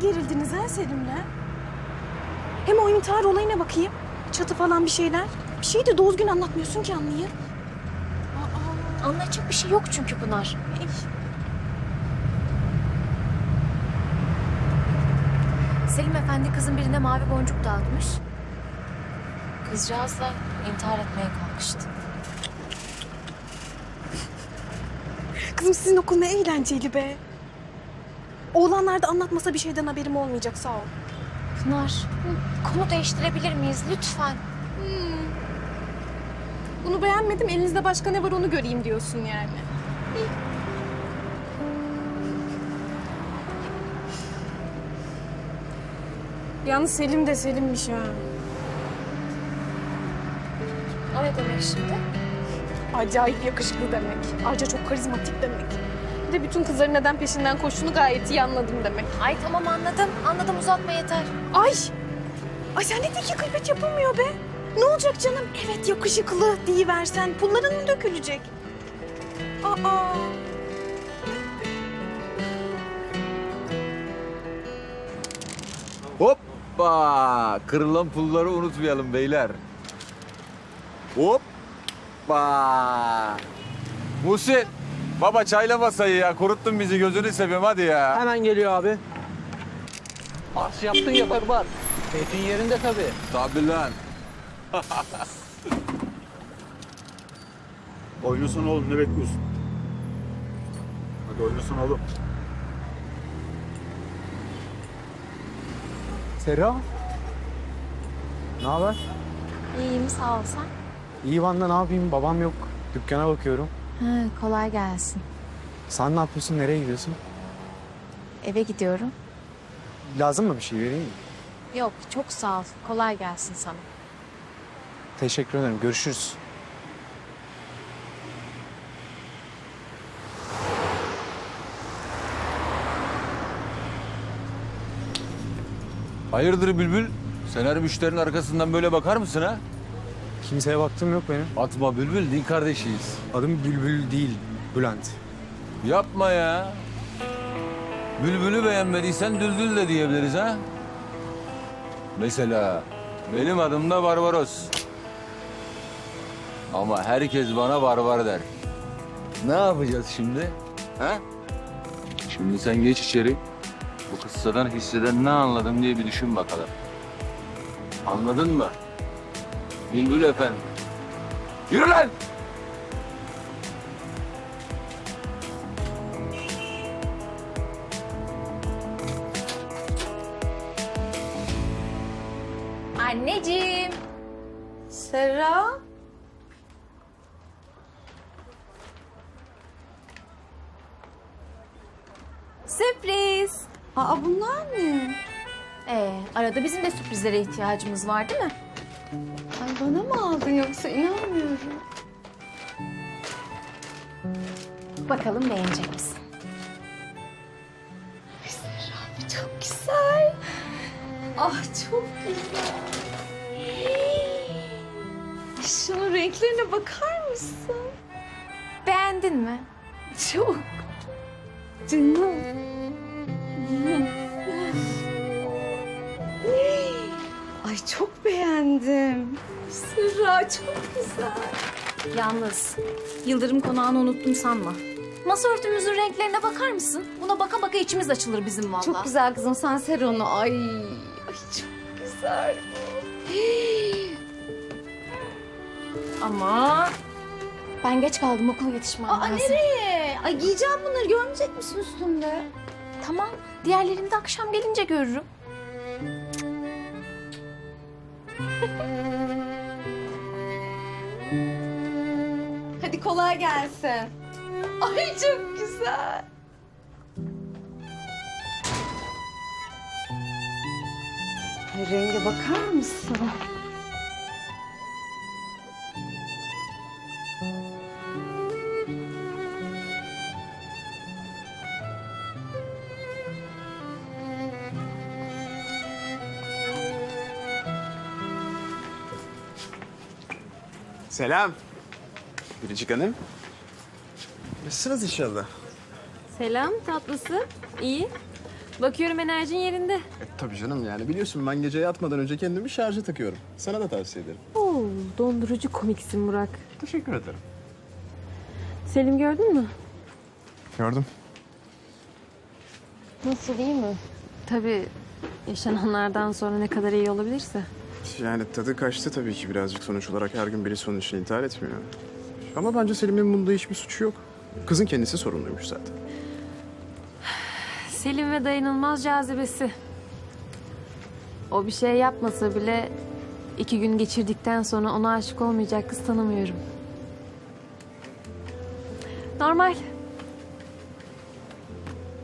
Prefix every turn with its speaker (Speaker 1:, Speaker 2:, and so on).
Speaker 1: gerildiniz ha Selim'le? Hem o intihar olayına bakayım. Çatı falan bir şeyler. Bir şeyi de doğru gün anlatmıyorsun ki anlayayım.
Speaker 2: Anlatacak bir şey yok çünkü Pınar. Selim Efendi kızın birine mavi boncuk dağıtmış. Kızcağız da intihar etmeye kalkıştı.
Speaker 1: Kızım sizin okul ne eğlenceli be. Oğlanlar da anlatmasa bir şeyden haberim olmayacak, sağ ol.
Speaker 2: Pınar, konu değiştirebilir miyiz lütfen?
Speaker 1: Bunu beğenmedim, elinizde başka ne var onu göreyim diyorsun yani. Yalnız Selim de Selim'miş ha.
Speaker 2: O ne demek şimdi?
Speaker 1: Acayip yakışıklı demek. Ayrıca çok karizmatik demek. Bir de bütün kızların neden peşinden koştuğunu gayet iyi anladım demek.
Speaker 2: Ay tamam anladım. Anladım uzatma yeter.
Speaker 1: Ay! Ay sen ne de ki gıybet yapılmıyor be. Ne olacak canım? Evet yakışıklı deyiversen pulların mı dökülecek? Aa!
Speaker 3: Hoppa! Kırılan pulları unutmayalım beyler. Hoppa! Muhsin, baba çayla masayı ya. Kuruttun bizi, gözünü seveyim hadi ya.
Speaker 4: Hemen geliyor abi. As yaptın ya barbar. Keyfin yerinde tabii.
Speaker 3: Tabii lan.
Speaker 5: Oynasana oğlum, ne bekliyorsun? Hadi oynasana oğlum.
Speaker 6: Serra. Ne haber?
Speaker 2: İyiyim sağ ol sen.
Speaker 6: İyi ben de ne yapayım? Babam yok. Dükkana bakıyorum.
Speaker 2: Kolay gelsin.
Speaker 6: Sen ne yapıyorsun? Nereye gidiyorsun?
Speaker 2: Eve gidiyorum.
Speaker 6: Lazım mı bir şey vereyim mi?
Speaker 2: Yok çok sağ ol. Kolay gelsin sana.
Speaker 6: Teşekkür ederim. Görüşürüz.
Speaker 3: Hayırdır Bülbül? Sen her müşterinin arkasından böyle bakar mısın ha?
Speaker 6: Kimseye baktığım yok benim.
Speaker 3: Atma Bülbül, din kardeşiyiz.
Speaker 6: Adım Bülbül değil, Bülent.
Speaker 3: Yapma ya. Bülbül'ü beğenmediysen Düldül de diyebiliriz ha. Mesela benim adım da Barbaros. Ama herkes bana barbar der. Ne yapacağız şimdi? Ha? Şimdi sen geç içeri. Bu kıssadan hisseden ne anladım diye bir düşün bakalım. Anladın mı? Bülbül efendi. Yürü lan!
Speaker 2: Anneciğim.
Speaker 1: Serra.
Speaker 2: Sürpriz.
Speaker 1: Aa bunlar ne?
Speaker 2: Arada bizim de sürprizlere ihtiyacımız var değil mi?
Speaker 1: Ay bana mı aldın yoksa inanmıyorum.
Speaker 2: Bakalım beğenecek misin?
Speaker 1: Çok güzel. Ah çok güzel. Şunun renklerine bakar mısın?
Speaker 2: Beğendin mi?
Speaker 1: Çok. Canım. Ay çok beğendim. Serra çok güzel.
Speaker 2: Yalnız Yıldırım Konağı'nı unuttum sanma. Masa örtümüzün renklerine bakar mısın? Buna baka baka içimiz açılır bizim vallahi.
Speaker 1: Çok güzel kızım sen ser onu. Ay çok güzel bu.
Speaker 2: Ama ben geç kaldım okula yetişmem lazım.
Speaker 1: Nereye? Ay giyeceğim bunları görmeyecek misin üstümde?
Speaker 2: Tamam diğerlerini de akşam gelince görürüm.
Speaker 1: Hadi kolay gelsin. Ay çok güzel. Ay renge bakar mısın?
Speaker 7: Selam. Biricik Hanım. Nasılsınız inşallah?
Speaker 8: Selam tatlısı. İyi.
Speaker 2: Bakıyorum enerjin yerinde.
Speaker 7: Tabii canım yani biliyorsun ben gece yatmadan önce kendimi şarja takıyorum. Sana da tavsiye ederim.
Speaker 8: Oo, dondurucu komiksin Burak.
Speaker 7: Teşekkür ederim.
Speaker 8: Selim gördün mü?
Speaker 7: Gördüm.
Speaker 8: Nasıl, iyi mi? Tabii yaşananlardan sonra ne kadar iyi olabilirse.
Speaker 7: Yani tadı kaçtı tabii ki birazcık, sonuç olarak her gün birisi onun için intihar etmiyor. Ama bence Selim'in bunda hiçbir suçu yok. Kızın kendisi sorumluymuş zaten.
Speaker 8: Selim ve dayanılmaz cazibesi. O bir şey yapmasa bile 2 gün geçirdikten sonra ona aşık olmayacak kız tanımıyorum. Normal.